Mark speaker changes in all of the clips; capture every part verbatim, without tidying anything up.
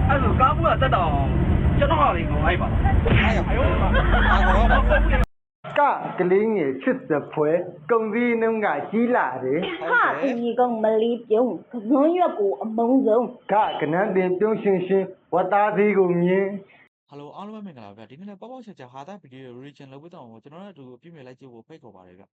Speaker 1: အဲ့လိုကားဘူးကတက်တော့ကျွန်တော်ဟာလေးကိုလိုက်ပါအဲ့ရအယောပါကကလေးငယ်ချစ်တဲ့ဖွဲကုံစည်းနှုံးကကြီးလာတယ်ဟာဒီကောင်မလီပြုံးကစွန်းရွက်ကိုအမုံဆုံးကကနန်းတင်ပြုံးရှင်ရှင်ဝတ်သားသေးကိုမြင်
Speaker 2: ဟယ်လိုအားလုံးပဲမင်္ဂလာပါဗျဒီနေ့လည်းပေါ့ပေါ့ချက်ချက်ဟာတာဗီဒီယို reaction လုပ်ပေးတော့ကျွန်တော်တို့အတူအပြည့်မြင်လိုက်ကြည့်ဖို့ဖိတ်ခေါ်ပါတယ်ဗျ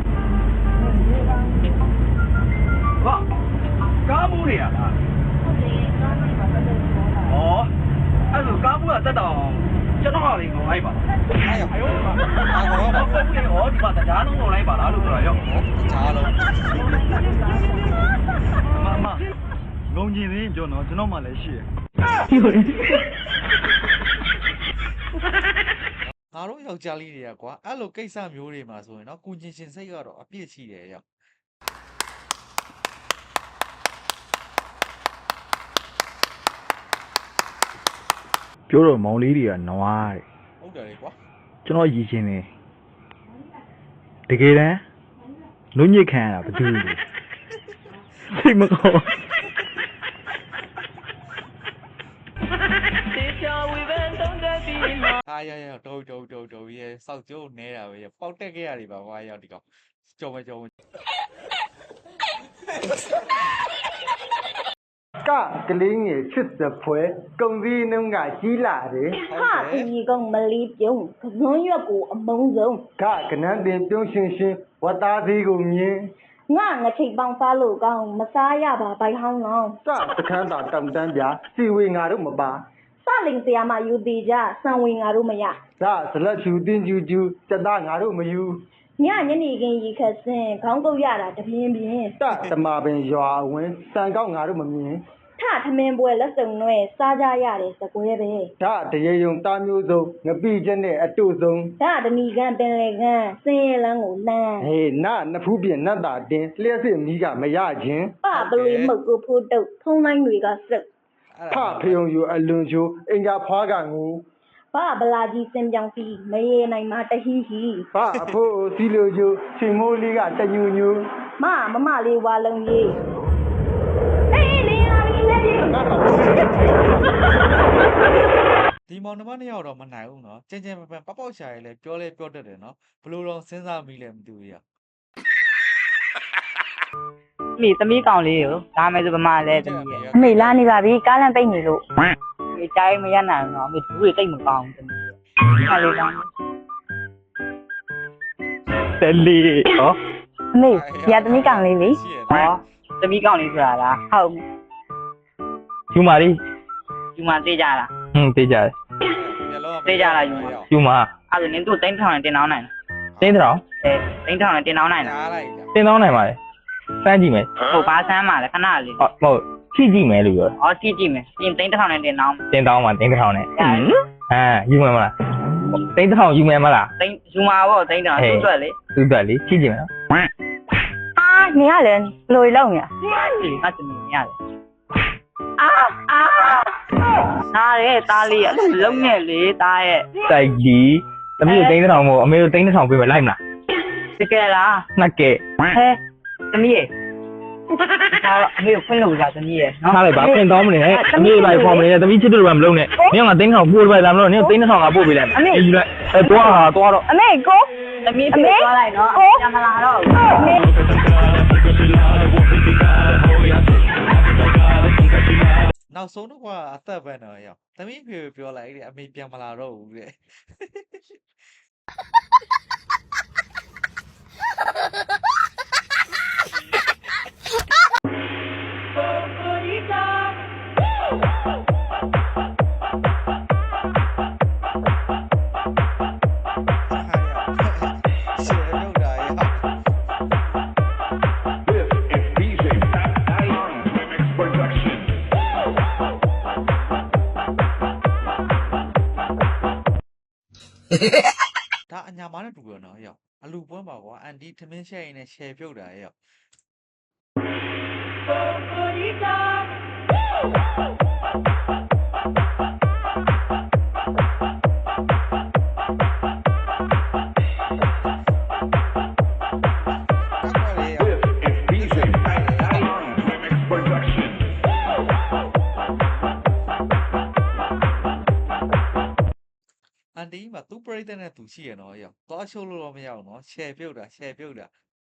Speaker 1: ဟာကားဘူးတွေရလားဟုတ်တယ်ကားမိုက်ပါတက်တယ်ဩအဲ့လိုကားဘူးကတက်တော့ကျွန်တော်ဟာလေးကိုလိုက်ပါအဲ့ရအယောပါအာကောပါဘူးလေဩဒီမှာတရားလုံးကိုလိုက်ပါလားလို့ပြောတာရော
Speaker 2: တရားလုံး
Speaker 1: မမငုံကျင်သေးပြောတော့ကျွန်တော်မှလည်းရှိတယ်
Speaker 2: ငါတို့ယောက်ျားလေးတွေကကွာအဲ့လိုကိစ္စမျိုးတွေမှာဆိုရင်တော့ကိုချင်းရှင်စိတ်ကတော့အပြည့်ရှိတယ်ရောက်
Speaker 3: ပြောတော့မောင်လေးတွေကနွားတဲ့
Speaker 2: ဟုတ်တယ်လေကွာ
Speaker 3: ကျွန်တော်ရည်ချင်းတယ်တကယ်တမ်းနုညစ်ခံရတာဘာလို့လဲစိတ်မကောင်း
Speaker 2: အားရရတော့တော့တော့တော့ရဲစောက်ကျိုးနေတာပဲပေါက်တက်ခဲ့ရတယ်ပါကွာရောက်ဒီကောင်ကြော်မကြော်
Speaker 1: ကကလေးငယ်ချစ်တဲ့ဖွဲကုံစည်းနှုံးကကြီးလာတယ်ဟာဒီကောင်မလီပြုံးကစွန်းရွက်ကိုအမုံဆုံးကကနန်းတင်ပြုံးရှင်ရှင်ဝတ်သားသေးကိုမြင်ငါငချိတ်ပေါင်းစားလို့ကောင်းမစားရပါဘိုင်ဟောင်းလောင်းစတခန်းတာတောင်တန်းပြစီဝေငါတို့မပါစလင်ဆရာမယူသေးကြစံဝင်ငါတို့မရဒါဇလက်ချူတင်းကျူကျူစက်သားငါတို့မယူညညနေခင်းရီခက်စင်ခေါင်းကုတ်ရတာတပြင်းပြင်းတတမပင်ရွာဝင်စံကောက်ငါတို့မမြင်ထထမင်းပွဲလက်စုံနွဲစားကြရတယ်စကွဲပဲဒါတရေယုံတာမျိုးစုံငပိချက်နဲ့အတုဆုံးဒါတမီကန်ပင်လေကန်စင်းရလန်းကိုလန်းဟေးနနဖူးပြင်နတ်တာတင်လျှက်စစ်မီးကမရခြင်းပပလွေမှုတ်ကိုဖိုးတုတ်ဖုံးတိုင်းတွေကစက်ဖဖယုံယူအလွန်ချိုးအင်္ဂါဖွားကငူဘာဗလာကြီးစင်ပြောင်စီမရေနိုင်မှာတဟီဟီဘာအဖိုးစီလိုချိုးချိန်မိုးလေးကတညူညူမမမလေးဝါလုံးကြီးအေးလေးလာပြီလေ
Speaker 2: ဒီမောင်နှမနှစ်ယောက်တော့မနိုင်ဘူးနော်ကျင်းကျင်းပပပေါက်ပေါက်ရှာရဲလဲပြောလဲပြောတတ်တယ်နော်ဘလို့တော့စဉ်းစားမိလဲမသိဘူးရ
Speaker 4: မိသမီးကောင်လေးကိုဒါမဲ့ဆိုဗမာလဲသမီးရဲ့အမေလာနေပါပြီကားလမ်းပိတ်နေလို့ဒီတိုင်းမရနိုင်တော့အမေဘူးတွေတိတ်မကောင်းဘူးသမီးရဲ့ခါလေးကောင်း
Speaker 3: တလီဟော
Speaker 4: အမေရသမီးကောင်လေးလေဟောသမီးကောင်လေးဆိုတာလားဟုတ်
Speaker 3: ယူမာလေး
Speaker 4: ယူမာသေးကြလား
Speaker 3: ဟင်းသေးကြတယ်
Speaker 4: သေးကြလားယူမာ
Speaker 3: ယူမာ
Speaker 4: အဲ့ဒါနင်တို့တိန်းထောင်နဲ့တင်တောင်းနိုင်
Speaker 3: လားတင်းတောင်
Speaker 4: အဲတိန်းထောင်နဲ့တင်တောင်းနိုင်လား
Speaker 3: တင်တောင်းနိုင်ပါလေစမ်းကြည့်မယ်
Speaker 4: ဟုတ်ပါစမ်းပါလေခဏလေး
Speaker 3: ဟုတ်ဟုတ်ကြည့်ကြည့်မယ်လို့ပြော
Speaker 4: ဟောကြည့်ကြည့်မယ်ပြင်တိန်းထောင်နဲ့တင်တောင်း
Speaker 3: တင်တောင်းမှာတင်းထောင်နဲ့ဟမ်ယူမယ်မလားတင်းထောင်ယူမယ်မလား
Speaker 4: တင်းယူမှာပေါ့တင်းထောင်သူ့အတွက်လေ
Speaker 3: သူ့အတွက်လေကြည့်ကြည့်မယ်
Speaker 4: အာနေရလေလိုလောက်နေဒီကတည်းကရတယ်အာအာသားရဲ့သားလေးအဲ့လိုလုံးနဲ့လေသားရဲ့
Speaker 3: တိုက်ကြီးသမီးကိုတင်းထောင်မို့အမေကိုတင်းထောင်ပေးမယ်လိုက်မလား
Speaker 4: တကယ်လား
Speaker 3: နှစ်ကဲ
Speaker 4: ဟဲသမီးရဲ့ဒါအမေကိုဖွင့်လို့ရသမီးရဲ့
Speaker 3: နော်ထားလိုက်ပါဖွင့်တော့မနေနဲ့အမေလိုက်ဖော်မနေနဲ့သမီးချစ်တို့ကမလုံးနဲ့နင်ကတင်းထောင်ပို့လိုက်လာမလို့နင်တင်းထောင်ကပို့ပေးလိုက်မယ်ယူလိုက်အဲသွားဟာသွားတော့
Speaker 4: အမေကိုသမီးပြေးသွားလိုက်နော်ကျမလာတော့အမေ
Speaker 2: နောက်ဆုံးတော့ကအသက်ပဲနော်ရောက်သမီးဖေပြောလိုက်တဲ့အမေပြန်မလာတော့ဘူးတဲ့ဒါအညာမနဲ့တူရနော်ရောက်အလူပွဲပါကွာအန်တီထမင်းရှဲရင်နဲ့ရှယ်ပြုတ်တာရောက်ဒါတီးမှာသူ့ပရိသတ်နဲ့သူရှိရနော်ရောက်သွားရှုပ်လို့တော့မရအောင်နော်ရှယ်ပြုတ်တာရှယ်ပြုတ်တာ